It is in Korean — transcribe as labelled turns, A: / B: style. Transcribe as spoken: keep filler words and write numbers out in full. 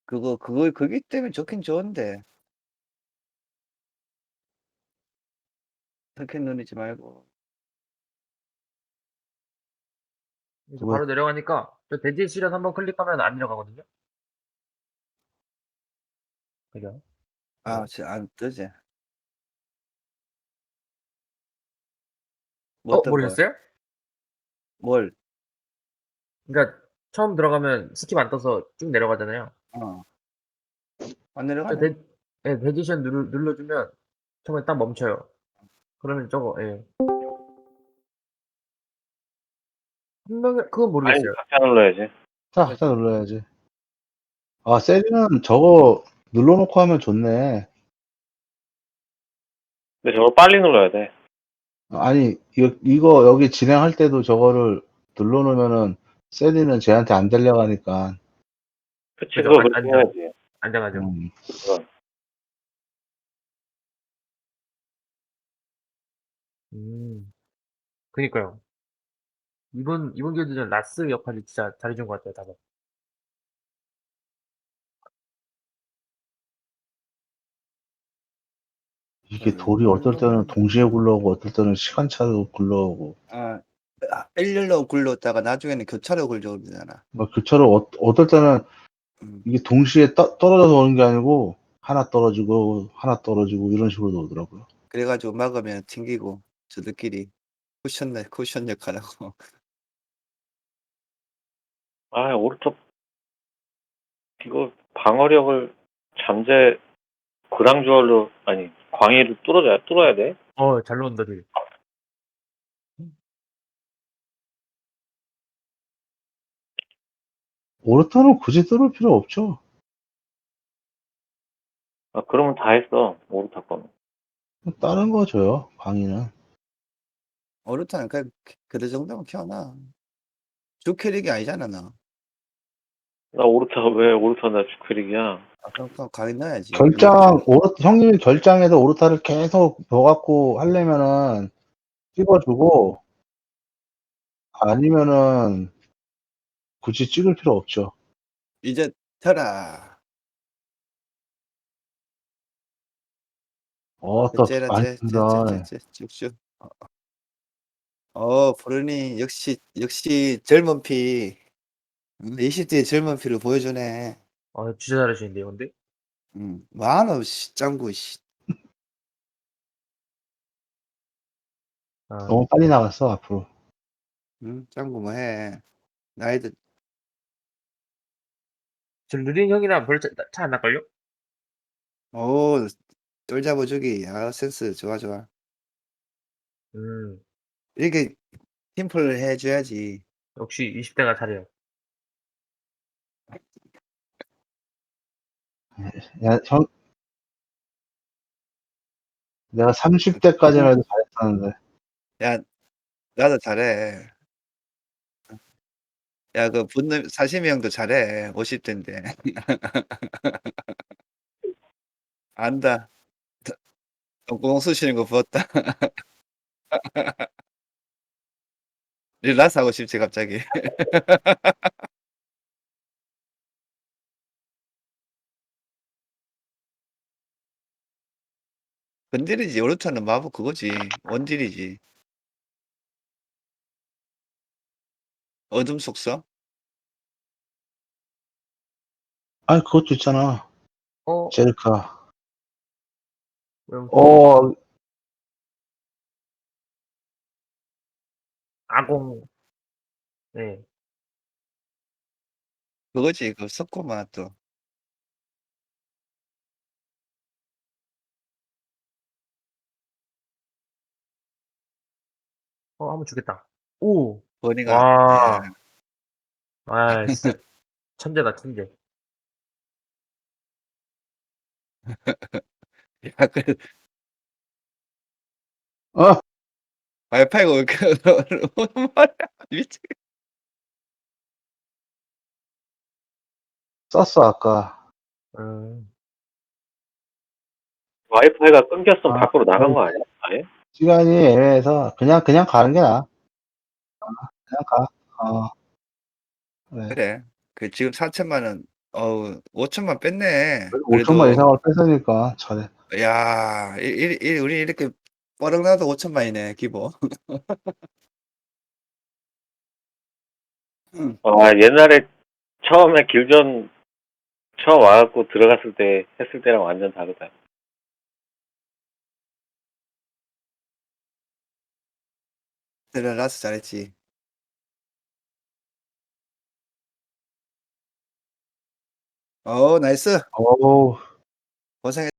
A: 그거 그거 그기 때문에 좋긴 좋은데. 터키 누르지 말고.
B: 이제
C: 왜?
B: 바로 내려가니까 저 대지의 시련 한번 클릭하면 안 내려가거든요. 그죠?
A: 아
B: 네.
A: 저 안 뜨지. 뭐
B: 어
A: 어떤 걸?
B: 모르셨어요?
A: 뭘?
B: 그러니까 처음 들어가면 스킵 안 떠서 쭉 내려가잖아요.
A: 어. 안
B: 저
A: 내려가네.
B: 대 예 대지션 누르 눌러주면 처음에 딱 멈춰요. 그러면 저거 예. 분명히 그건
D: 아니
B: 모르겠어요.
D: 각자 눌러야지.
C: 자, 자 눌러야지. 아, 세리는 저거 눌러놓고 하면 좋네.
D: 근데 저걸 빨리 눌러야 돼.
C: 아니, 이거, 이거 여기 진행할 때도 저거를 눌러놓으면은 세리는 쟤한테 안 들려가니까.
D: 그치,
B: 그죠?
D: 그거
B: 안
D: 그렇게
B: 안전
D: 해야지.
B: 안전하죠.
C: 음.
D: 그건.
B: 음. 그니까요. 이번 이번 경기전 라스 역할이 진짜 잘해준 것 같아요, 다들.
C: 이게 돌이 어떨 때는
A: 음.
C: 동시에 굴러오고 어떨 때는 시간차로 굴러오고.
A: 아. 아 일렬로 굴렀다가 나중에는 교차로 굴러오잖아.
C: 막 교차로 어, 어떨 때는
A: 음.
C: 이게 동시에 떠, 떨어져서 오는 게 아니고 하나 떨어지고 하나 떨어지고 이런 식으로 오더라고요.
A: 그래 가지고 막으면 튕기고 저들끼리 쿠션 내 쿠션 역할하고.
D: 아, 오른쪽 이거 방어력을 잠재 그랑주얼로 아니 광희를 뚫어줘야 뚫어야 돼.
B: 어, 잘 나온다, 되게.
C: 오르타는 굳이 뚫을 필요 없죠.
D: 아, 그러면 다 했어 오르타 거는.
C: 다른 거 줘요, 광희는.
A: 오르타는 그 그 정도면 키워놔. 주 캐릭이 아니잖아 너.
D: 나 오르타가 왜 오르타나 주크릭이야?
A: 아 그럼 그럼 가위 넣어야지.
C: 결장, 오르, 형님이 결장에서 오르타를 계속 넣어갖고 하려면은 찍어주고, 아니면은 굳이 찍을 필요 없죠.
A: 이제 펴라.
C: 어, 또
A: 째라
C: 많이 든다.
A: 째째째째 쭉쭉. 어. 어 브루니 역시 역시 젊은 피. 음 이십 대의 젊은 피를 보여주네.
B: 아, 진짜 잘하시는데요, 근데?
A: 음. 뭐하노 씨 짱구 씨.
B: 아.
C: 너무 빨리 나갔어, 앞으로.
A: 응? 짱구 뭐 해. 나이도
B: 저 느린 형이랑 별로 차 안 날걸요?
A: 오 똘 잡아주기. 아 센스 좋아, 좋아.
B: 음.
A: 이렇게 팀플을 해 줘야지.
B: 역시 이십 대가 잘해요.
C: 야, 형, 내가 삼십 대까지는 해도 잘했었는데.
A: 야 나도 잘해. 야 그 분노 사시미 형도 잘해. 오십 대인데. 안다. 더 똥구멍 쑤시는 거 부었다. 릴라스 하고 싶지 갑자기. 근딜이지. 오르타는 마법 그거지. 원딜이지. 어둠 속성?
C: 아니, 그것도 있잖아.
B: 어?
C: 제르카.
B: 그럼
C: 어,
B: 아공. 네.
A: 그거지. 그 석고마 또.
B: 어, 한번 주겠다. 오.
A: 버니가 예.
B: 와. 아, 진짜 천재다, 천재.
A: 야 그
C: 어,
A: 와이파이가 왜 이렇게 오는 말이야. 미치겠
C: 썼어, 아까.
B: 음.
D: 와이파이가 끊겼으면
C: 아,
D: 밖으로 나간
C: 아니,
D: 거 아니야? 아예?
C: 시간이 애매해서 그냥, 그냥 가는 게 나아. 그냥 가. 어, 그래.
A: 그래. 그 지금 사천만 원 어우 오천만 뺐네.
C: 그래도 오천만
A: 그래도
C: 이상을 뺐으니까 잘해.
A: 야 이 이 이 우리 이렇게 뻐럭 나도 오천만이네 기본. 음.
D: 아, 옛날에 처음에 길전 처음 와 갖고 들어갔을 때 했을 때랑 완전 다르다.
A: 들어라서 잘했지. 어 나이스.
C: 어우.
A: 고생했